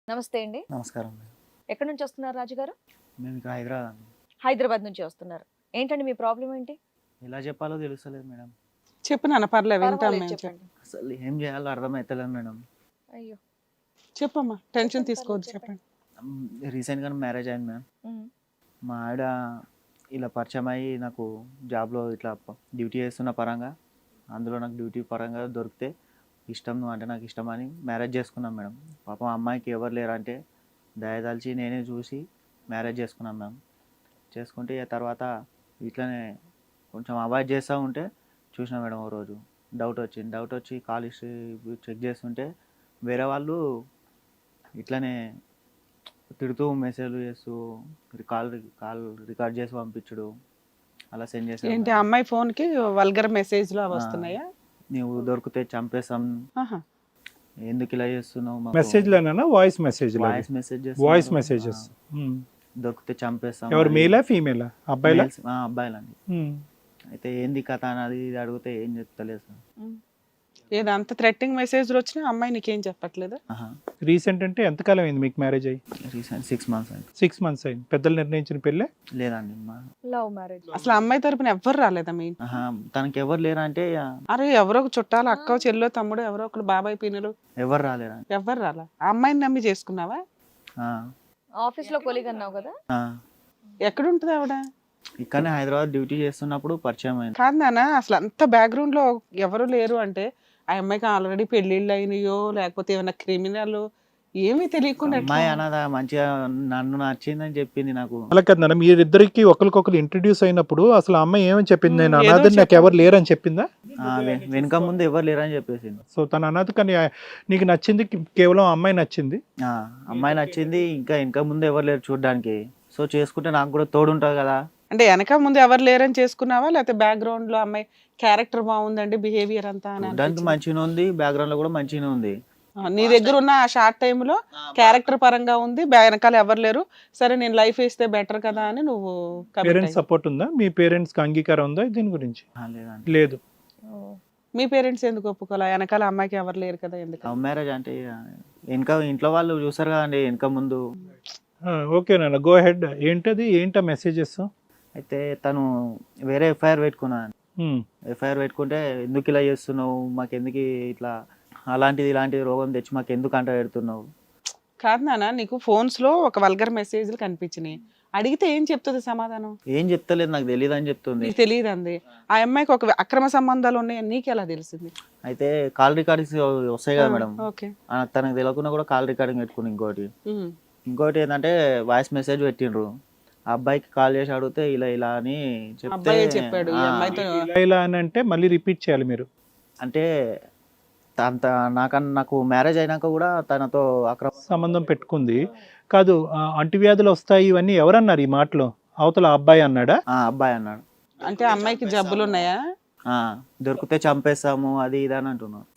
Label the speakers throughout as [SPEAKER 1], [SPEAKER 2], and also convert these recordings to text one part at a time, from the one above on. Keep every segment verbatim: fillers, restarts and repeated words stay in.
[SPEAKER 1] నమస్తే అండి.
[SPEAKER 2] నమస్కారం మేడం.
[SPEAKER 1] ఎక్కడి నుంచి వస్తున్నారు రాజుగారు?
[SPEAKER 2] మేము ఇక్కడ హైదరాబాద్ అండి.
[SPEAKER 1] హైదరాబాద్ నుంచి వస్తున్నారు. ఏంటండి మీ ప్రాబ్లం ఏంటి?
[SPEAKER 2] ఎలా చెప్పాలో తెలుస్తలేదు మేడం.
[SPEAKER 3] చెప్పు నాన్న, పర్లేదు వింటాం
[SPEAKER 1] పర్వాలేదు
[SPEAKER 3] మేము. చెప్పు.
[SPEAKER 1] చెప్పండి.
[SPEAKER 2] అసలు ఏం చేయాలో అర్థమవుతలేదు మేడం.
[SPEAKER 1] అయ్యో!
[SPEAKER 3] చెప్పమ్మా, టెన్షన్
[SPEAKER 1] చెప్పండి,
[SPEAKER 3] తీసుకోవద్దు,
[SPEAKER 1] పర్లేదు
[SPEAKER 3] చెప్పండి.
[SPEAKER 2] రీసెంట్గా మ్యారేజ్ అయింది మేడం.
[SPEAKER 1] ఉమ్,
[SPEAKER 2] మా ఆవిడ ఇలా పరిచయం అయ్యి నాకు జాబ్లో ఇట్లా డ్యూటీ చేస్తున్న పరంగా, అందులో నాకు డ్యూటీ పరంగా దొరికితే ఇష్టం, నువ్వు అంటే నాకు ఇష్టం అని మ్యారేజ్ చేసుకున్నాం మేడం. పాపం అమ్మాయికి ఎవరు లేరంటే దయదలిచి నేనే చూసి మ్యారేజ్ చేసుకున్నాం మేడం. చేసుకుంటే ఇక తర్వాత ఇట్లనే కొంచెం అవాయిడ్ చేస్తూ ఉంటే చూసిన మేడం ఓ రోజు డౌట్ వచ్చింది. డౌట్ వచ్చి కాల్ హిస్టరీ చెక్ చేస్తుంటే వేరే వాళ్ళు ఇట్లనే తిడుతూ మెసేజ్లు చేస్తూ కాల్ కాల్ రికార్డ్ చేసి పంపించడు అలా సెండ్ చేసి
[SPEAKER 3] ఏంటి ఆ అమ్మాయి ఫోన్ కి వల్గర్ మెసేజ్లు అవి వస్తున్నాయా?
[SPEAKER 2] నువ్వు దొరికితే చంపేస్తాం,
[SPEAKER 3] ఆహా.
[SPEAKER 2] ఎందుకు ఇలా చేస్తున్నావు,
[SPEAKER 4] మెసేజ్ లోనా voice message
[SPEAKER 2] voice message
[SPEAKER 4] voice messages
[SPEAKER 2] దొరికితే చంపేస్తాం.
[SPEAKER 4] ఎవరు మేలా ఫీమేలా అబ్బాయిలా?
[SPEAKER 2] అబ్బాయిలండి. అయితే ఏంది కథ అన్నది ఇది అడిగితే ఏం చెప్తలేదు సార్.
[SPEAKER 3] ఉమ్. ఏదో అంత థ్రెట్టింగ్ మెసేజ్లు వచ్చినా అమ్మాయి నీకేం చెప్పట్లేదు?
[SPEAKER 4] రీసెంట్ అంటే ఎంతకాలం అయింది మీకు మ్యారేజ్ అయ్యి?
[SPEAKER 2] రీసెంట్ సిక్స్ మంత్స్ అయింది.
[SPEAKER 4] సిక్స్ మంత్స్ అయింది. పెద్దలు నిర్ణయించిన పెళ్ళే?
[SPEAKER 2] లేదండి మా
[SPEAKER 1] లవ్ మ్యారేజ్.
[SPEAKER 3] అసలు అమ్మాయి తరపున ఎవ్వరు రాలేదా మీ ఇంటికి?
[SPEAKER 2] ఆహా, తనకి ఎవరు లేరంటే ఇక
[SPEAKER 3] అరే ఎవరో ఒక చుట్టాలు, అక్క చెల్లో తమ్ముడు, ఎవరో ఒకరు, బాబాయ్ పిన్నులు,
[SPEAKER 2] ఎవరు రాలేరండి.
[SPEAKER 3] ఎవ్వరు రాలా? ఆ అమ్మాయిని నమ్మి చేసుకున్నావా?
[SPEAKER 2] ఆ,
[SPEAKER 1] ఆఫీస్ లో కొలీగ్ అన్నావు కదా?
[SPEAKER 2] ఆ.
[SPEAKER 3] ఎక్కడ ఉంటుంది ఆవిడ?
[SPEAKER 2] ఇక్కడనే హైదరాబాద్ డ్యూటీ చేస్తున్నప్పుడు పరిచయం అయింది.
[SPEAKER 3] కాదు నాన్న, అసలు అంత బ్యాక్గ్రౌండ్ లో ఎవరు లేరు అంటే ఆ అమ్మాయికి ఆల్రెడీ పెళ్లిళ్ళు అయినాయో లేకపోతే ఏమైనా క్రిమినల్ ఏమీ తెలియకుండా ఎట్లా?
[SPEAKER 2] అమ్మాయి అన్నదా మంచిగా నన్ను నచ్చిందని చెప్పింది నాకు.
[SPEAKER 4] అలా కదా నాన్న, మీరిద్దరికి ఒకరికొకరు ఇంట్రడ్యూస్ అయినప్పుడు అసలు ఆ అమ్మాయి ఏమని చెప్పింది? నేను
[SPEAKER 3] ఏదో
[SPEAKER 4] అనాథని, నాకు ఎవరు లేరని చెప్పిందా?
[SPEAKER 2] ఆ, వె- వెనుక ముందు ఎవరు లేరని చెప్పేసింది.
[SPEAKER 4] సో తన అనాథ, కానీ నీకు నచ్చింది కేవలం ఆ అమ్మాయి నచ్చింది.
[SPEAKER 2] ఆ, అమ్మాయి నచ్చింది, ఇంకా వెనుక ముందు ఎవరు లేరు చూడడానికి. సో చేసుకుంటే నాకు కూడా తోడుంటుంది కదా.
[SPEAKER 3] అంటే వెనక ముందు ఎవరు లేరని చేసుకున్నావా లేకపోతే బ్యాక్గ్రౌండ్ లో అమ్మాయి క్యారెక్టర్ బాగుందండి, బిహేవియర్ అంతా అని
[SPEAKER 2] చూడడానికి
[SPEAKER 3] అనిపించిందా?
[SPEAKER 2] మంచిగానే ఉంది, బ్యాక్గ్రౌండ్ లో కూడా మంచిగానే ఉంది.
[SPEAKER 3] ఆ, నీ దగ్గర ఉన్న ఆ షార్ట్ టైమ్ లో క్యారెక్టర్ పరంగా ఉంది, బ్యా- వెనకాల ఎవరు లేరు, సరే నేను లైఫ్ ఇస్తే బెటర్ కదా అని నువ్వు commit
[SPEAKER 4] పేరెంట్స్
[SPEAKER 3] అయ్యావు.
[SPEAKER 4] సపోర్ట్ ఉందా? మీ పేరెంట్స్ కి అంగీకారం ఉందా దీని గురించి?
[SPEAKER 2] ఆ, లేదండి.
[SPEAKER 4] లేదు.
[SPEAKER 3] మీ పేరెంట్స్ ఎందుకు ఒప్పుకోలే? వెనకాల అమ్మాయికి ఎవరు లేరు కదా, ఎందుకు?
[SPEAKER 2] లవ్ మ్యారేజ్ అంటే ఇక వెనక ఇంట్లో వాళ్ళు చూసారు కదండి వెనక ముందు.
[SPEAKER 4] ఓకే నాన్న, గో హెడ్. ఏంటది? ఏంటా మెసేజెస్?
[SPEAKER 2] అయితే తను వేరే ఎఫ్ఐఆర్ పెట్టుకున్నాను. ఎఫ్ఐఆర్ పెట్టుకుంటే ఎందుకు ఇలా చేస్తున్నావు, మాకు ఎందుకు ఇట్లా అలాంటిది ఇలాంటి రోగం తెచ్చి మాకు ఎందుకు అంట పెడుతున్నావు.
[SPEAKER 3] కాదు నాన్న, నీకు ఫోన్స్ లో ఒక వల్గర్ మెసేజ్లు కనిపించినాయి, అడిగితే ఏం చెప్తుంది సమాధానం?
[SPEAKER 2] ఏం చెప్తలేదు, నాకు తెలియదు అని చెప్తుంది.
[SPEAKER 3] నీకు తెలియదు అంది. ఆ అమ్మాయికి ఒక అక్రమ సంబంధాలు ఉన్నాయని నీకు ఎలా తెలిసింది?
[SPEAKER 2] అయితే కాల్ రికార్డింగ్స్ వస్తాయి కదా మేడం,
[SPEAKER 3] ఓకే.
[SPEAKER 2] ఆ, తనకు తెలియకుండా కూడా కాల్ రికార్డింగ్ పెట్టుకుని ఇంకోటి ఇంకోటి ఏంటంటే వాయిస్ మెసేజ్ పెట్టిండ్రు. ఆ అబ్బాయికి కాల్ చేసి అడిగితే ఇలా ఇలా అని చెప్తే
[SPEAKER 3] అబ్బాయే చెప్పాడు ఈ
[SPEAKER 2] ఆ,
[SPEAKER 3] అమ్మాయితో.
[SPEAKER 4] ఇలా ఇలా అని అంటే మళ్ళీ రిపీట్ చేయాలి మీరు.
[SPEAKER 2] అంటే అంత నాకన్నా నాకు మ్యారేజ్ అయినాక కూడా తనతో అక్రమ
[SPEAKER 4] సంబంధం పెట్టుకుంది కాదు. ఆ, అంటువ్యాధులు వస్తాయి ఇవన్నీ ఎవరన్నారు ఈ మాటలో? అవతల ఆ అబ్బాయి అన్నాడా?
[SPEAKER 2] ఆ, అబ్బాయి అన్నాడు.
[SPEAKER 3] అంటే అమ్మాయికి జబ్బులు ఉన్నాయా?
[SPEAKER 2] ఆ, దొరికితే చంపేస్తాము అది ఇది అని అంటున్నాడు.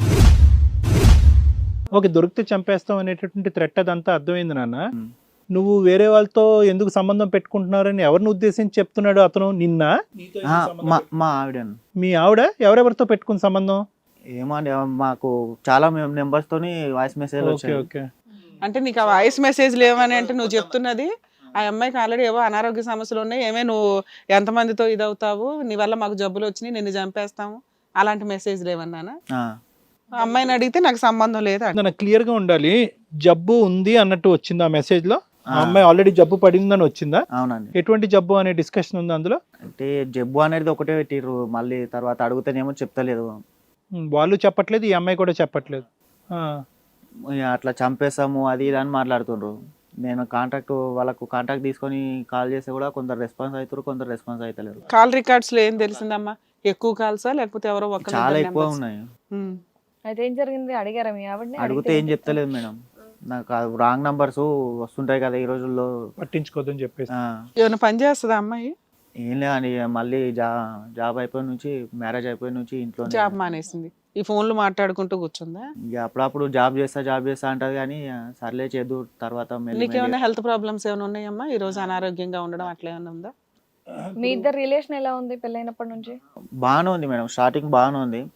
[SPEAKER 4] ఓకే, దొరికితే చంపేస్తాం అనేటటువంటి థ్రెట్ అదంతా అర్థమైంది నాన్న.
[SPEAKER 2] ఉమ్.
[SPEAKER 4] నువ్వు వేరే వాళ్ళతో ఎందుకు సంబంధం పెట్టుకుంటున్నారని ఎవరిని ఉద్దేశించి చెప్తున్నాడు అతను? నిన్న
[SPEAKER 2] ఆ, మా మా ఆవిడను
[SPEAKER 4] మీ ఆవిడ ఎవరెవరితో పెట్టుకున్న సంబంధం?
[SPEAKER 2] ఏమో అండి, మాకు చాలా నెంబర్స్ తోని వాయిస్ మెసేజ్
[SPEAKER 4] ఓకే
[SPEAKER 2] వచ్చాయి.
[SPEAKER 4] ఓకే.
[SPEAKER 3] అంటే నీకు ఆ వాయిస్ మెసేజ్ లేవని అంటే నువ్వు చెప్తున్నది ఆ అమ్మాయికి ఆల్రెడీ ఏవో అనారోగ్య సమస్యలు ఉన్నాయి, ఏమే నువ్వు ఎంతమందితో ఇదవుతావు, నీ వల్ల మాకు జబ్బులు వచ్చినాయి, నిన్ను చంపేస్తాము, అలాంటి మెసేజ్ లేవన్నానా?
[SPEAKER 2] ఆ,
[SPEAKER 3] ఆ అమ్మాయిని అడిగితే నాకు సంబంధం లేదు అంట.
[SPEAKER 4] నాకు క్లియర్ గా ఉండాలి. జబ్బు ఉంది అన్నట్టు వచ్చింది ఆ మెసేజ్ లో? ఆ అమ్మాయి ఆల్రెడీ జబ్బు పడిందని వచ్చిందా?
[SPEAKER 2] అవునండి.
[SPEAKER 4] ఎటువంటి జబ్బు అనే డిస్కషన్ ఉంది అందులో?
[SPEAKER 2] అంటే జబ్బు అనేది ఒకటే పెట్టిర్రు, మళ్ళీ తర్వాత అడుగుతానేమో చెప్తలేదు.
[SPEAKER 4] ఉమ్, వాళ్ళు చెప్పట్లేదు, ఈ అమ్మాయి కూడా చెప్పట్లేదు. ఆ,
[SPEAKER 2] ఇక అట్లా చంపేస్తాము అది ఇది అని మాట్లాడుతుండ్రు. నేను కాంటాక్ట్ వాళ్ళకు కాంటాక్ట్ తీసుకొని కాల్ చేస్తే కూడా కొందరు రెస్పాన్స్ అవుతారు, కొందరు రెస్పాన్స్ అవుతలేరు.
[SPEAKER 3] కాల్ రికార్డ్స్ లో ఏం తెలిసిందమ్మా? ఎక్కువ కాల్సా లేకపోతే ఎవరో ఒక
[SPEAKER 2] చాలా ఎక్కువ ఉన్నాయి.
[SPEAKER 1] అయితే ఏం జరిగింది? అడిగారా మీ ఆవిడని?
[SPEAKER 2] అడిగితే ఏం చెప్తలేదు మేడం. నాకు రాంగ్ నంబర్స్ వస్తుంటాయి కదా ఈ రోజుల్లో.
[SPEAKER 4] పట్టించుకోదని చెప్పేసి.
[SPEAKER 2] ఆ,
[SPEAKER 3] ఏమైనా పని చేస్తుందా అమ్మాయి?
[SPEAKER 2] ఏం లేదండి, మళ్ళీ జా జాబ్ అయిపోయిన నుంచి మ్యారేజ్ అయిపోయిన నుంచి ఇంట్లో
[SPEAKER 3] జాబ్ మానేసింది, ఈ ఫోన్లు మాట్లాడుకుంటూ కూర్చుందా?
[SPEAKER 2] ఇక అప్పుడప్పుడు జాబ్ చేస్తా జాబ్ చేస్తా అంటది కానీ ఆ, సర్లే చేద్దు తర్వాత మెల్లి మెల్లి.
[SPEAKER 3] నీకేమైనా హెల్త్ ప్రాబ్లమ్స్ ఏమైనా ఉన్నాయమ్మా? ఈ రోజు అనారోగ్యంగా ఉండడం అట్లా ఏమైనా ఉందా?
[SPEAKER 1] మీ ఇద్దరు రిలేషన్ ఎలా ఉంది పెళ్ళైనప్పటి నుంచి?
[SPEAKER 2] బాగానే ఉంది మేడం, స్టార్టింగ్ బాగానే ఉంది.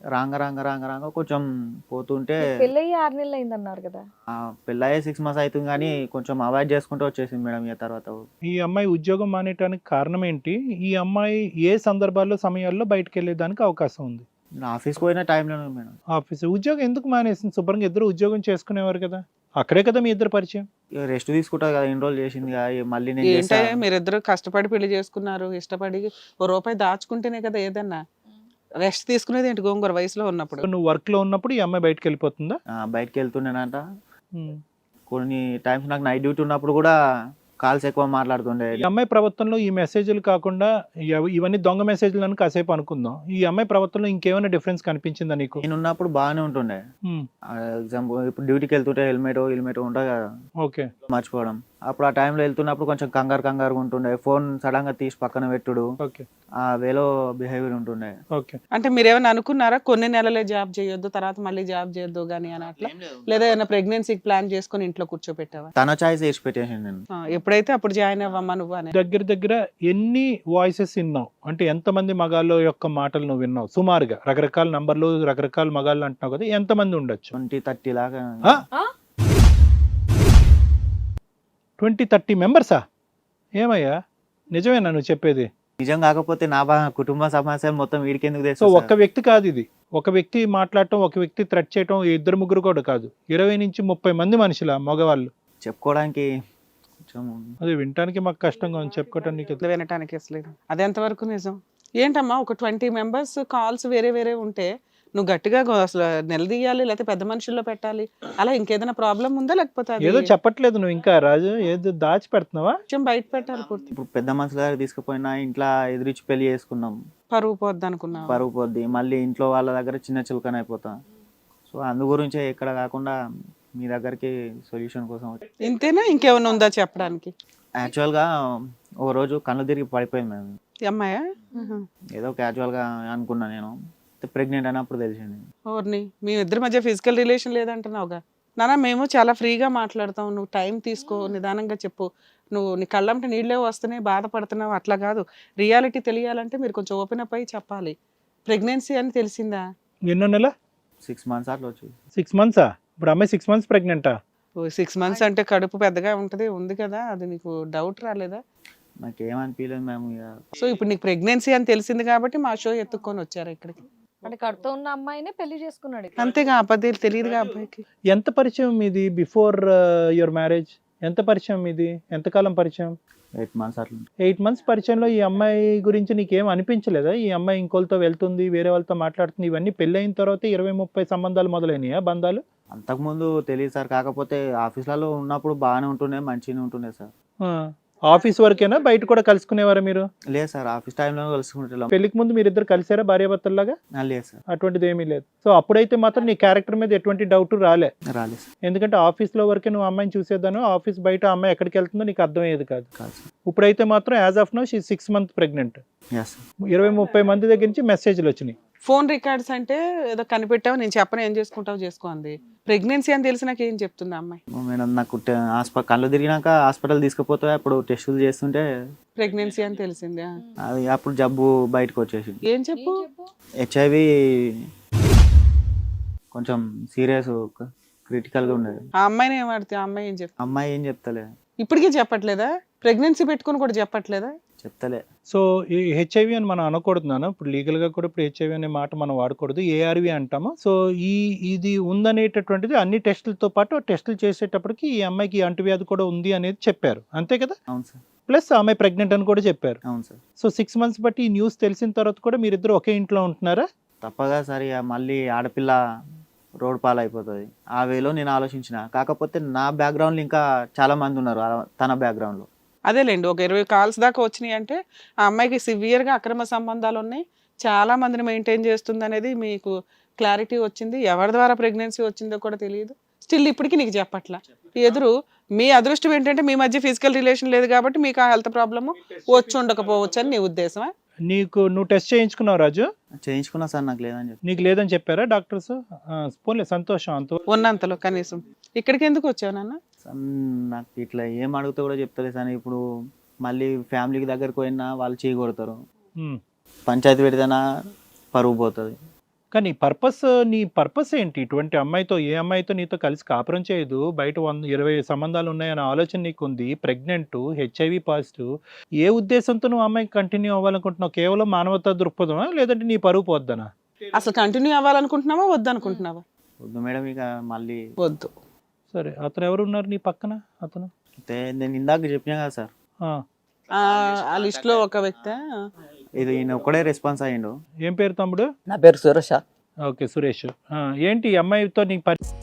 [SPEAKER 2] రాంగ రాంగ రాంగ రాంగ కొంచెం పోతుంటే
[SPEAKER 1] పెళ్ళయి ఆరు నెలలు అయిందన్నారు కదా.
[SPEAKER 2] ఆ, పెళ్ళయ్యే సిక్స్ మంత్స్ అవుతుంది కానీ కొంచెం అవాయిడ్ చేసుకుంటూ వచ్చేసింది మేడం. ఇక తర్వాత
[SPEAKER 4] ఈ అమ్మాయి ఉద్యోగం మానేయడానికి కారణం ఏంటి? ఈ అమ్మాయి ఏ సందర్భాల్లో సమయాల్లో బయటకు వెళ్ళేదానికి అవకాశం ఉంది?
[SPEAKER 2] నేను ఆఫీస్కి పోయిన టైంలోనే మేడం.
[SPEAKER 4] ఆఫీస్ ఉద్యోగం ఎందుకు మానేసింది? శుభ్రంగా ఇద్దరు ఉద్యోగం చేసుకునేవారు కదా, అక్కడే కదా మీ ఇద్దరు పరిచయం.
[SPEAKER 2] ఇక రెస్ట్ తీసుకుంటా కదా, ఎన్ని రోజులు చేసింది కదా, ఇక మళ్ళీ నేను
[SPEAKER 3] ఏంటంటే
[SPEAKER 2] చేస్తా.
[SPEAKER 3] మీరిద్దరు కష్టపడి పెళ్లి చేసుకున్నారు, ఇష్టపడి ఓ రూపాయి దాచుకుంటేనే కదా ఏదన్నా. రెస్ట్ తీసుకునేది ఏంటి గోంగూర వయసులో ఉన్నప్పుడు?
[SPEAKER 4] నువ్వు వర్క్ లో ఉన్నప్పుడు ఈ అమ్మాయి బయటకు వెళ్ళిపోతుందా?
[SPEAKER 2] ఆ, బయటకు వెళ్తుండేనంట.
[SPEAKER 4] ఉమ్.
[SPEAKER 2] కొన్ని టైమ్స్ నాకు నైట్ డ్యూటీ ఉన్నప్పుడు కూడా కాల్స్ ఎక్కువ మాట్లాడుతుండే.
[SPEAKER 4] ఈ అమ్మాయి ప్రవర్తనలో ఈ మెసేజ్లు కాకుండా ఇవ- ఇవన్నీ దొంగ మెసేజ్లు అని కాసేపు అనుకుందాం. ఈ అమ్మాయి ప్రవర్తనలో ఇంకేమైనా డిఫరెన్స్ కనిపించిందా నీకు?
[SPEAKER 2] నేను ఉన్నప్పుడు బాగానే ఉంటుండే.
[SPEAKER 4] ఉమ్.
[SPEAKER 2] ఎగ్జాంపుల్ ఇప్పుడు డ్యూటీకి వెళ్తుంటే హెల్మెట్ హెల్మెట్ ఉంటుంది కదా,
[SPEAKER 4] ఓకే.
[SPEAKER 2] మర్చిపోవడం. అప్పుడు ఆ టైంలో వెళ్తున్నప్పుడు కొంచెం కంగారు కంగారుగా ఉంటుండే. ఫోన్ సడన్ గా తీసి పక్కన పెట్టుడు,
[SPEAKER 4] ఓకే.
[SPEAKER 2] ఆ వేలో బిహేవియర్ ఉంటుండే.
[SPEAKER 4] ఓకే.
[SPEAKER 3] అంటే మీరేమైనా అనుకున్నారా కొన్ని నెలలే జాబ్ చేయొద్దు తర్వాత మళ్ళీ జాబ్ చేయొద్దు కానీ అని అట్లా? లేదా ఏమైనా ప్రెగ్నెన్సీకి ప్లాన్ చేసుకొని ఇంట్లో కూర్చోబెట్టావా?
[SPEAKER 2] తన చాయిస్ వేసి పెట్టేసాను నేను.
[SPEAKER 3] ఆ, ఎప్పుడైతే అప్పుడు జాయిన్ అవ్వమ్మా నువ్వు అని.
[SPEAKER 4] దగ్గర దగ్గర ఎన్ని వాయిసెస్ విన్నావు? అంటే ఎంతమంది మగాళ్ళ యొక్క మాటలు నువ్వు విన్నావు సుమారుగా? రకరకాల నంబర్లు రకరకాల మగాళ్ళు అంటున్నావు కదా, ఎంతమంది ఉండొచ్చు?
[SPEAKER 2] ట్వంటీ థర్టీ లాగా.
[SPEAKER 4] ట్వంటీ థర్టీ మెంబర్సా? ఏమయ్యా నిజమేనా నువ్వు చెప్పేది?
[SPEAKER 2] నిజం కాకపోతే నా బా కుటుంబ సమస్యలు మొత్తం వీడికెందుకు
[SPEAKER 4] సో
[SPEAKER 2] తెస్తా
[SPEAKER 4] ఒక్క వ్యక్తి కాదు ఇది, ఒక వ్యక్తి మాట్లాడటం, ఒక వ్యక్తి థ్రెట్ చేయటం, ఇద్దరు ముగ్గురు కూడా కాదు, ఇరవై నుంచి ముప్పై మంది మనుషుల మగవాళ్ళు.
[SPEAKER 2] చెప్పుకోవడానికి కొంచెం
[SPEAKER 4] అది వినటానికి మాకు కష్టంగా ఉంది, చెప్పుకోవటానికి.
[SPEAKER 3] అసలు వినటానికి అసలు అది ఎంతవరకు నిజం? ఏంటమ్మా ఒక ట్వంటీ మెంబర్స్ కాల్స్ వేరే వేరే ఉంటే నువ్వు గట్టిగా గో- అసలు నిలదీయాలి లేకపోతే పెద్ద మనుషుల్లో పెట్టాలి, అలా ఇంకేదైనా ప్రాబ్లం ఉందా లేకపోతే అది
[SPEAKER 4] ఏదో చెప్పట్లేదు నువ్వు ఇంకా రాజు, ఏదో దాచి పెడుతున్నావా?
[SPEAKER 3] కొంచెం బయట పెట్టాలి పూర్తి?
[SPEAKER 2] ఇప్పుడు పెద్ద మనుషుల దగ్గర తీసుకుపోయినా ఇంట్లో ఎదురిచ్చి పెళ్లి చేసుకున్నాం,
[SPEAKER 3] పరువు పోద్ది అనుకున్నావు?
[SPEAKER 2] పరుగు పోద్ది. మళ్ళీ ఇంట్లో వాళ్ళ దగ్గర చిన్న చులకన అయిపోతా. సో అందు గురించే ఎక్కడ కాకుండా మీ దగ్గరికి సొల్యూషన్ కోసం వచ్చి.
[SPEAKER 3] ఇంతేనా ఇంకేమైనా ఉందా చెప్పడానికి?
[SPEAKER 2] యాక్చువల్గా ఓ రోజు కళ్ళు తిరిగి పడిపోయింది మేము.
[SPEAKER 3] ఈ అమ్మాయా?
[SPEAKER 2] ఏదో క్యాజువల్గా అనుకున్నా నేను, ప్రెగ్నెంట్ అయినప్పుడు తెలిసింది.
[SPEAKER 3] ఓర్ని మీ ఇద్దరి మధ్య ఫిజికల్ రిలేషన్ లేదంటున్నావుగా? నానా మేము చాలా ఫ్రీగా మాట్లాడతాం, నువ్వు టైం తీసుకో, నిదానంగా చెప్పు. నువ్వు నీ కళ్ళంటే నీళ్ళే వస్తున్నాయి బాధపడుతున్నావు అట్లా కాదు. రియాలిటీ తెలియాలంటే మీరు కొంచెం ఓపెన్ అప్ అయ్యి చెప్పాలి. ప్రెగ్నెన్సీ అని తెలిసిందా?
[SPEAKER 4] ఎన్నో నెల?
[SPEAKER 2] సిక్స్ మంత్స్ అట్లా వచ్చి.
[SPEAKER 4] సిక్స్ మంత్సా? ఇప్పుడు అమ్మాయి సిక్స్ మంత్స్ ప్రెగ్నెంటా?
[SPEAKER 3] సిక్స్ మంత్స్ అంటే కడుపు పెద్దగా ఉంటుంది ఉంది కదా, అది నీకు డౌట్ రాలేదా?
[SPEAKER 2] నాకేమనిపించలేదు మేము. ఇక
[SPEAKER 3] సో ఇప్పుడు నీకు ప్రెగ్నెన్సీ అని తెలిసింది కాబట్టి మా షో ఎత్తుక్కొని వచ్చారు ఇక్కడికి.
[SPEAKER 1] అంటే కడుతూ ఉన్న అమ్మాయినే పెళ్లి చేసుకున్నాడు.
[SPEAKER 3] అంతేగా అబద్ధాలు తెలియదుగా అబ్బాయికి.
[SPEAKER 4] ఎంత పరిచయం మీది బిఫోర్ యువర్ మ్యారేజ్? ఎంత పరిచయం మీది? ఎంతకాలం పరిచయం?
[SPEAKER 2] ఎయిట్ మంత్స్ అట్లా.
[SPEAKER 4] ఎయిట్ మంత్స్ పరిచయంలో ఈ అమ్మాయి గురించి నీకేం అనిపించలేదా? ఈ అమ్మాయి ఇంకోళ్ళతో వెళ్తుంది, వేరే వాళ్ళతో మాట్లాడుతుంది, ఇవన్నీ పెళ్ళి అయిన తర్వాత ఇరవై ముప్పై సంబంధాలు మొదలైనయా, బంధాలు?
[SPEAKER 2] అంతకుముందు తెలియదు సార్, కాకపోతే ఆఫీస్లలో ఉన్నప్పుడు బాగానే ఉంటుండే, మంచిగానే ఉంటుండే సార్.
[SPEAKER 4] ఆ, ఆఫీస్ వరకేనా? బయట కూడా కలుసుకునేవారా మీరు?
[SPEAKER 2] లేదు సార్, ఆఫీస్ టైంలో కలుసుకుంటాం.
[SPEAKER 4] పెళ్లికి ముందు మీరిద్దరు కలిసారా భార్యాభర్తల్లాగా?
[SPEAKER 2] లేదు సార్,
[SPEAKER 4] అటువంటిది ఏమీ లేదు. సో అప్పుడైతే మాత్రం నీ క్యారెక్టర్ మీద ఎటువంటి డౌట్ రాలే?
[SPEAKER 2] రాలేదు సార్.
[SPEAKER 4] ఎందుకంటే ఆఫీస్లో వరకే నువ్వు అమ్మాయిని చూసేదాను, ఆఫీస్ బయట అమ్మాయి ఎక్కడికి వెళ్తుందో నీకు అర్థమయ్యేది కాదు.
[SPEAKER 2] కాదు సార్.
[SPEAKER 4] ఇప్పుడైతే మాత్రం as of now she six month pregnant.
[SPEAKER 2] Yes sir.
[SPEAKER 4] ఇరవై ముప్పై మంది దగ్గర నుంచి మెసేజ్లు వచ్చినాయి.
[SPEAKER 3] ఫోన్ రికార్డ్స్ అంటే ఏదో కనిపెట్టావు, నేను చెప్పను ఏం చేసుకుంటావు చేసుకో అంది. ప్రెగ్నెన్సీ అని తెలిసినాక ఏం చెప్తుంది అమ్మాయి?
[SPEAKER 2] మేడం నాకు హాస్పిటల్ కళ్ళు తిరిగినాక హాస్పిటల్ తీసుకుపోతే అప్పుడు టెస్టులు చేస్తుంటే
[SPEAKER 3] ప్రెగ్నెన్సీ అని తెలిసింది.
[SPEAKER 2] అది అప్పుడు జబ్బు బయటకు వచ్చేసింది.
[SPEAKER 3] ఏం చెప్పు?
[SPEAKER 2] హెచ్ఐవి కొంచెం సీరియస్ క్రిటికల్గా ఉండేది.
[SPEAKER 3] ఆ అమ్మాయిని ఏం ఆడితే ఆ అమ్మాయి ఏం చెప్తా?
[SPEAKER 2] అమ్మాయి ఏం చెప్తలే.
[SPEAKER 3] ఇప్పటికీ చెప్పట్లేదా? ప్రెగ్నెన్సీ పెట్టుకుని కూడా చెప్పట్లేదా?
[SPEAKER 2] చెప్తలే.
[SPEAKER 4] సో ఈ హెచ్ఐవి అని మనం అనకూడదు నాన్న, ఇప్పుడు లీగల్గా కూడా ఇప్పుడు హెచ్ఐవి అనే మాట మనం వాడకూడదు, ఏఆర్వి అంటాము. సో ఈ ఇది ఉందనేటటువంటిది అన్ని టెస్టులతో పాటు టెస్టులు చేసేటప్పటికి ఈ అమ్మాయికి అంటువ్యాధి కూడా ఉంది అనేది చెప్పారు, అంతే కదా?
[SPEAKER 2] అవును సార్.
[SPEAKER 4] ప్లస్ ఆమె ప్రెగ్నెంట్ అని కూడా చెప్పారు.
[SPEAKER 2] అవును సార్.
[SPEAKER 4] సో సిక్స్ మంత్స్ బట్టి ఈ న్యూస్ తెలిసిన తర్వాత కూడా మీరిద్దరు ఒకే ఇంట్లో ఉంటున్నారా?
[SPEAKER 2] తప్పగా సరే ఇక మళ్ళీ ఆడపిల్ల రోడ్ పాలు అయిపోతుంది ఆ వేలో నేను ఆలోచించిన. కాకపోతే నా బ్యాక్గ్రౌండ్లో ఇంకా చాలా మంది ఉన్నారు ఆ- తన బ్యాక్గ్రౌండ్లో.
[SPEAKER 3] అదేలేండి, ఒక ఇరవై కాల్స్ దాకా వచ్చినాయి అంటే ఆ అమ్మాయికి సివియర్గా అక్రమ సంబంధాలు ఉన్నాయి, చాలా మందిని మెయింటైన్ చేస్తుంది అనేది మీకు క్లారిటీ వచ్చింది. ఎవరి ద్వారా ప్రెగ్నెన్సీ వచ్చిందో కూడా తెలియదు. స్టిల్ ఇప్పటికీ నీకు చెప్పట్లా. ఎదురు మీ అదృష్టం ఏంటంటే మీ మధ్య ఫిజికల్ రిలేషన్ లేదు కాబట్టి మీకు ఆ హెల్త్ ప్రాబ్లము వచ్చి ఉండకపోవచ్చు అని నీ ఉద్దేశమా?
[SPEAKER 4] నీకు నువ్వు టెస్ట్ చేయించుకున్నావు రాజు?
[SPEAKER 2] చేయించుకున్నా సార్, నాకు లేదని చెప్పి.
[SPEAKER 4] నీకు లేదని చెప్పారా డాక్టర్స్? పోలే, సంతోషం. అంత
[SPEAKER 3] ఉన్నంతలో కనీసం. ఇక్కడికి ఎందుకు వచ్చావు నాన్న?
[SPEAKER 2] సార్, నాకు ఇట్లా ఏం అడిగితే కూడా చెప్తలే సార్. ఇప్పుడు మళ్ళీ ఫ్యామిలీకి దగ్గరకు పోయినా వాళ్ళు చేయి కొడతారు,
[SPEAKER 4] ఉమ్.
[SPEAKER 2] పంచాయతీ పెడితేనా పరువు పోతుంది.
[SPEAKER 4] కానీ పర్పస్ నీ పర్పస్ ఏంటి? ఇటువంటి అమ్మాయితో ఏ అమ్మాయితో నీతో కలిసి కాపురం చేయదు. బయట వంద ఇరవై సంబంధాలు ఉన్నాయన్న ఆలోచన నీకుంది. Pregnant, HIV positive. ఏ ఉద్దేశంతో నువ్వు అమ్మాయికి కంటిన్యూ అవ్వాలనుకుంటున్నావు? కేవలం మానవతా దృక్పథమా? లేదంటే నీ పరువు పోద్దనా?
[SPEAKER 3] అసలు కంటిన్యూ అవ్వాలనుకుంటున్నావా వద్దనుకుంటున్నావా?
[SPEAKER 2] వద్దు మేడం, ఇక మళ్ళీ
[SPEAKER 3] వద్దు.
[SPEAKER 4] సరే, అతను ఎవరు ఉన్నారు నీ పక్కన? అతను
[SPEAKER 2] అయితే నేను ఇందాక చెప్పినా కదా సార్,
[SPEAKER 4] ఆ,
[SPEAKER 3] ఆ, ఆ లిస్ట్ లో ఒక వ్యక్తి.
[SPEAKER 2] ఇది ఈయన ఒక్కడే రెస్పాన్స్ అయ్యిండు.
[SPEAKER 4] ఏం పేరు తమ్ముడు?
[SPEAKER 5] నా పేరు సురేష.
[SPEAKER 4] ఓకే, సురేష్. ఆ, ఏంటి ఈ అమ్మాయితో నీ పరి